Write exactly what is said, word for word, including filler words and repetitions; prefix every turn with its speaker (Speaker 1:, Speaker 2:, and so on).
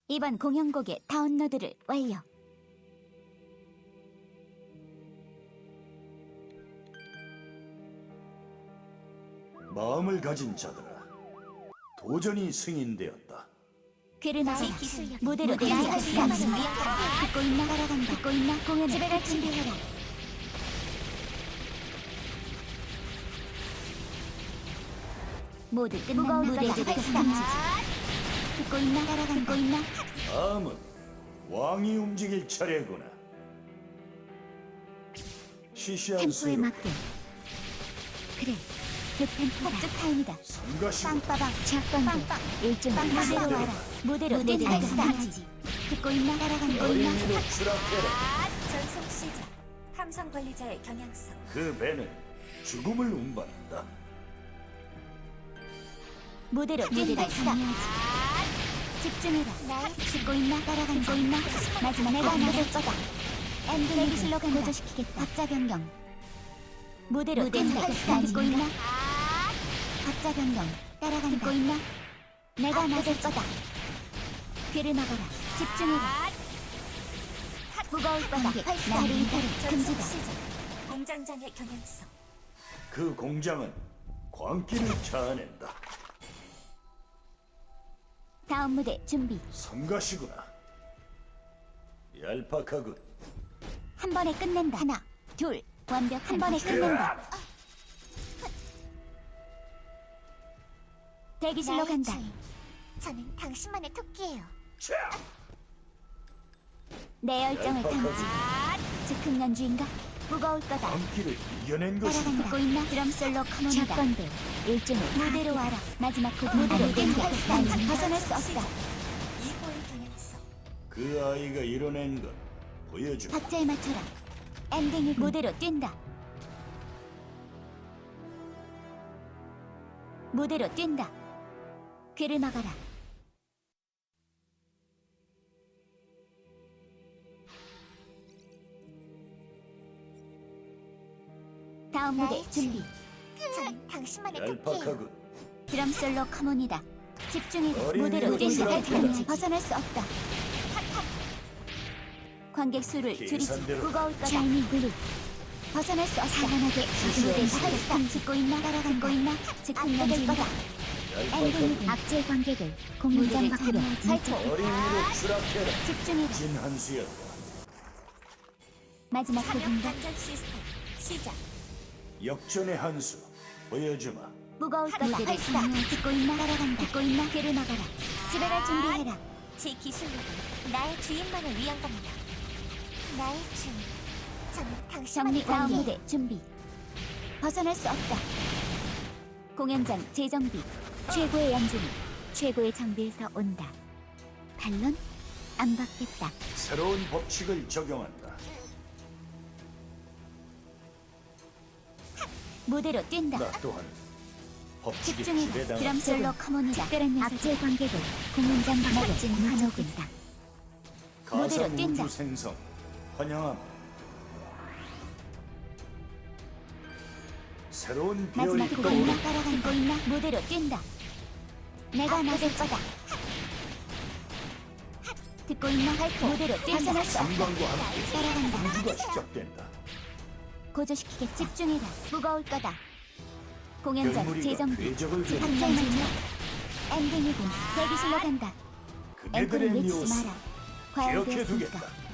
Speaker 1: 이번 공연곡의 다운로드를 완료.
Speaker 2: 마음을 가진 자들아, 도전이 승인되었다.
Speaker 1: 귀를 막아 무대로 내려갈 수 있는 듣고 있나? 따라간다. 듣고 있나? 공연 집에 갈 준비해라. 모두 끝난 무대를 발상지. 듣고 있나? 따라간다. 듣고 있나?
Speaker 2: 다음은 왕이 움직일 차례구나. 시시한
Speaker 1: 템포에
Speaker 2: 수로
Speaker 1: 맞게. 그래, 그 템포다. 폭죽 타임이다.
Speaker 2: 성가시고
Speaker 1: 빵빠방, 작빵빵, 일종 무대로 와라. 무대로 내려갈 수있지. 듣고 있나? 따라간다.
Speaker 2: 어린이로 추락해라.
Speaker 3: 전속 시작. 함성 관리자의 경향성.
Speaker 2: 그 배는 죽음을 운반한다.
Speaker 1: 무대로 내려갈 수있지. 집중해라. 듣고 있나? 따라간다. 듣고 있나? 마지막 내가 나를 거다. 엔딩 슬로건 고조시키겠다. 박자 변경. 무대로 내려갈 수 듣고 있나? 박자 변경. 따라간다. 듣고 있나? 내가 나설 거다. 귀를 막아라. 집중해라. 무거울 거다. 나를 이탈을
Speaker 3: 전속
Speaker 1: 금지다.
Speaker 3: 시작. 공장장의 경향성.
Speaker 2: 그 공장은 광기를 자아낸다.
Speaker 1: 다음 무대 준비.
Speaker 2: 성가시구나. 얄팍하군.
Speaker 1: 한 번에 끝낸다. 하나, 둘, 완벽. 한 번에 끝낸다. 대기실로 간다.
Speaker 3: 저는 당신만의 토끼예요.
Speaker 2: 자!
Speaker 1: 내 열정을
Speaker 2: 얄팍하지.
Speaker 1: 담지. 즉흥 연주인가? 무거울 거다.
Speaker 2: 광기를 이겨낸 것이다.
Speaker 1: 따라간다. 듣고 있나? 드럼 솔로 커먼이다. 작건들 일종의 무대로 와라. 마지막 곡 무대로 뛴다. 난 벗어날 수 없다.
Speaker 3: 이호의 경향성.
Speaker 2: 그 아이가 이뤄낸 것 보여줘.
Speaker 1: 박자에 맞춰라. 엔딩이 무대로 뛴다. 무대로 뛴다. 귀를 막아라. 다음 무대 준비.
Speaker 3: 저는 당신만의 토끼예요.
Speaker 2: 얄팍하군.
Speaker 1: 드럼 솔로 커먼이다. 집중해.
Speaker 2: 어린이로
Speaker 1: 무대로 뛴다.
Speaker 2: 추락해라.
Speaker 1: 난 벗어날 수 없다. 관객 수를 줄이지.
Speaker 2: 계산대로.
Speaker 1: 무거울 거다. 샤이닝 블루. 벗어날 수 없다. 사관하게 무대 살짝 듣고 있나? 따라간고 있나? 즉흥 연주인 거다. 엔딩이
Speaker 2: 얄팍하군.
Speaker 1: 악질 관객을 공연장 밖으로 살짝
Speaker 2: 어린이로 추락해라.
Speaker 1: 집중해라.
Speaker 2: 진 한수였다.
Speaker 1: 마지막
Speaker 3: 사명
Speaker 1: 곡인가?
Speaker 3: 반전 시스템 시작.
Speaker 2: 역전의 한수 보여주마.
Speaker 1: 무거울 거다. 발사. 듣고 있나? 따라간다. 듣고 있나? 귀를 막아라. 집에 갈 준비해라.
Speaker 3: 제 기술력은 나의 주인만을 위한 겁니다. 나의 주인. 저는
Speaker 1: 정리.
Speaker 3: 당신만의
Speaker 1: 다음
Speaker 3: 토끼예요.
Speaker 1: 무대 준비. 벗어날 수 없다. 공연장 재정비. 최고의 연주는 최고의 장비에서 온다. 반론? 안 받겠다.
Speaker 2: 새로운 법칙을 적용한다.
Speaker 1: 무대로 뛴다.
Speaker 2: 나 또한 법칙에
Speaker 1: 집중해라.
Speaker 2: 지배당한
Speaker 1: 드럼 솔로 커먼이다. 악질 관객을 공연장 밖으로 환호된다.
Speaker 2: 가상
Speaker 1: 무대로 뛴다.
Speaker 2: 우주 생성 환영함. 새로운
Speaker 1: 마지막
Speaker 2: 비열이
Speaker 1: 곡 있나?
Speaker 2: 떠오른다.
Speaker 1: 따라간 거 있나? 무대로 뛴다. 내가 나설 거다. 듣고 있나? 발표. 무대로 뛴다. 벗어날 수 없다.
Speaker 2: 성광과 함께
Speaker 1: 따라간다.
Speaker 2: 우주가 시작된다.
Speaker 1: 고조시키게 집중해라. 무거울 거다. 공연장
Speaker 2: 별무리가
Speaker 1: 재정비.
Speaker 2: 궤적을
Speaker 1: 한
Speaker 2: 그린다.
Speaker 1: 장면이야. 엔딩이군. 대기실로 간다. 앵콜을
Speaker 2: 그네들의
Speaker 1: 외치지
Speaker 2: 묘수
Speaker 1: 마라. 과열되었으니까.
Speaker 2: 기억해두겠다.